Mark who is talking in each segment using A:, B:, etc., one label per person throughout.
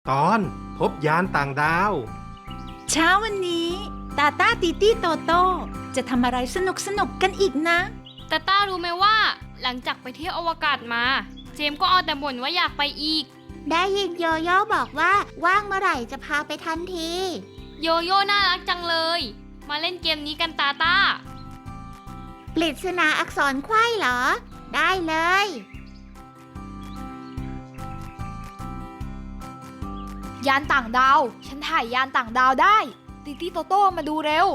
A: ตอนพบยานต่างดาว
B: เช้าวันนี้ตาต้าตีตี้โตโต้จะทำอะไรสนุกกันอีกนะ
C: ตาต้ารู้ไหมว่า หลังจากไปเที่ยวอวกาศมา เจมส์ก็เอาแต่บ่นว่าอยากไปอีก
D: ได้ยินโยโย่บอกว่าว่างเมื่อไหร่จะพาไปทันที
C: โยโย่น่ารักจังเลย มาเล่นเกมนี้กันตาต้า
D: ปริศนาอักษรไขว้เหรอ ได้เลย
E: ยานต่างดาวฉันถ่ายยานต่างดาวได้ติตี้โตโต้มาดูเร็ว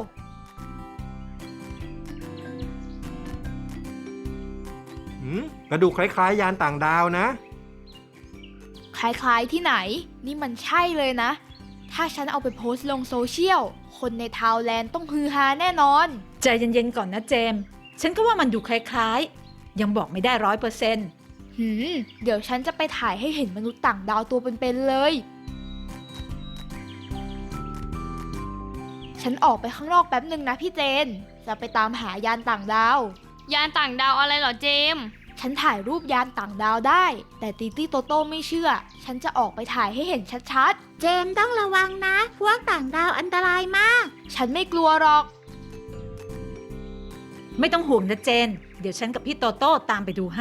A: กระดูกคล้ายๆยานต่างดาวนะ
E: คล้ายๆที่ไหนนี่มันใช่เลยนะถ้าฉันเอาไปโพสต์ลงโซเชียลคนในทาวน์แลนด์ต้องฮือฮาแน่นอน
B: ใจเย็นๆก่อนนะเจมส์ฉันก็ว่ามันดูคล้ายๆยังบอกไม่ได้100%
E: เดี๋ยวฉันจะไปถ่ายให้เห็นมนุษย์ต่างดาวตัวเป็นๆเลยฉันออกไปข้างนอกแป๊บหนึ่งนะพี่เจนจะไปตามหายานต่างดาวย
C: านต่างดาวอะไรเหรอเจมส์
E: ฉันถ่ายรูปยานต่างดาวได้แต่ติตี้โตโต้ไม่เชื่อฉันจะออกไปถ่ายให้เห็นชัด
D: เจมส์ต้องระวังนะ พวกต่างดาวอันตรายมาก
E: ๆฉันไม่กลัวหรอก
B: ไม่ต้องห่วงนะเจนเดี๋ยวฉันกับพี่โตโต้ตามไปดูให้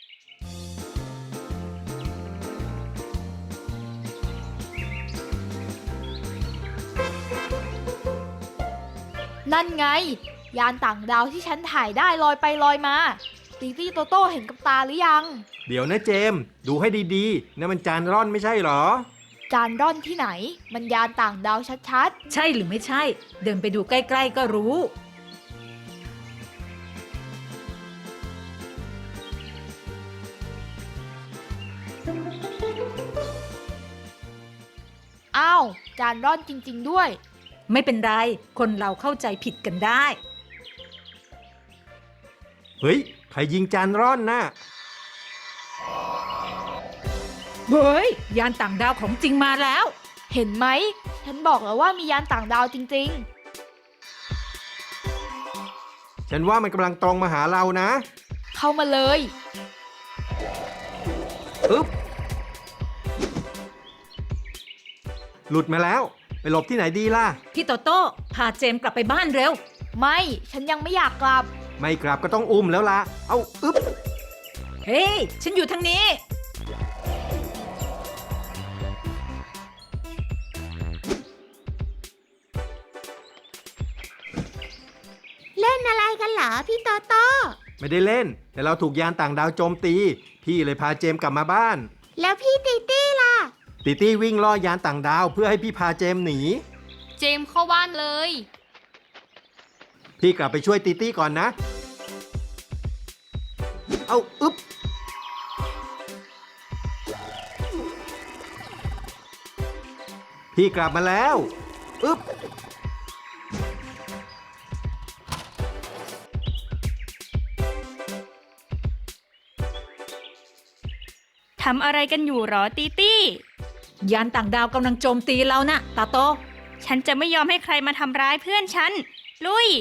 E: นั่นไงยานต่างดาวที่ฉันถ่ายได้ลอยไปลอยมาติตี้โตโต้เห็นกับตาหรือยัง
A: เดี๋ยวนะเจมส์ดูให้ดีๆนั่นมันจานร่อนไม่ใช่เหรอ
E: จานร่อนที่ไหนมันยานต่างดาวชัด
B: ใช่หรือไม่ใช่ เดินไปดูใกล้ๆก็รู้
E: ๆอ้าวจานร่อนจริงๆด้วย
B: ไม่เป็นไรคนเราเข้าใจผิดกันได้
A: เฮ้ยใครยิงจานร่อนน่ะ
B: เฮ้ยยานต่างดาวของจริงมาแล้ว
E: เห็นไหมฉันบอกแล้วว่ามียานต่างดาวจริง
A: ฉันว่ามันกำลังตรงมาหาเรานะ
E: ๆ เข้ามาเลย
A: อึ๊บหลุดมาแล้วไปหลบที่ไหนดีล่ะ
B: พี่โตโต้พาเจมส์กลับไปบ้านเร็ว
E: ไม่ฉันยังไม่อยากกลับ
A: ไม่กลับก็ต้องอุ้มแล้วล่ะเอาอึ๊บ
B: เฮ้ยฉันอยู่ทางนี้
D: เล่นอะไรกันเหรอพี่โตโต้
A: ไม่ได้เล่น แต่เราถูกยานต่างดาวโจมตี พี่เลยพาเจมส์กลับมาบ้าน
D: แล้วพี่ตีตี้ล่ะ
A: ติตี้วิ่งล่อยานต่างดาวเพื่อให้พี่พาเจมส์หนี
C: เจมส์เข้าบ้านเลย
A: พี่กลับไปช่วยติตี้ก่อนนะ เอาอึ๊บพี่กลับมาแล้วอึ๊บ
C: ทำอะไรกันอยู่หรอตีตี้
B: ยานต่างดาวกำลังโจมตีเรานะตาโต
C: ฉันจะไม่ยอมให้ใครมาทำร้ายเพื่อนฉัน ลุย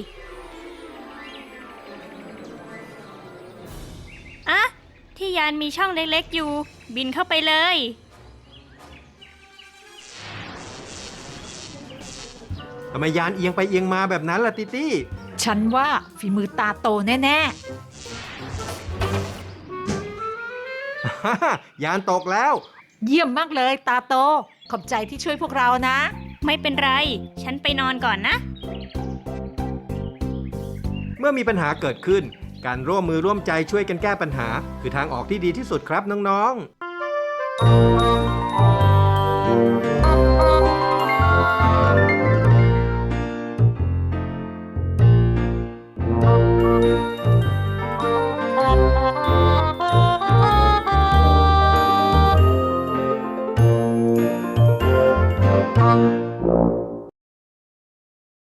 C: อะที่ยานมีช่องเล็กๆอยู่ บินเข้าไปเลย
A: ทำไมยานเอียงไปเอียงมาแบบนั้นล่ะติตี้
B: ฉันว่าฝีมือตาโตแน่
A: ยานตกแล้ว
B: ๆ เยี่ยมมากเลยตาโต ขอบใจที่ช่วยพวกเรานะ
C: ไม่เป็นไร ฉันไปนอนก่อนนะ
A: เมื่อมีปัญหาเกิดขึ้น การร่วมมือร่วมใจช่วยกันแก้ปัญหา คือทางออกที่ดีที่สุดครับน้องๆ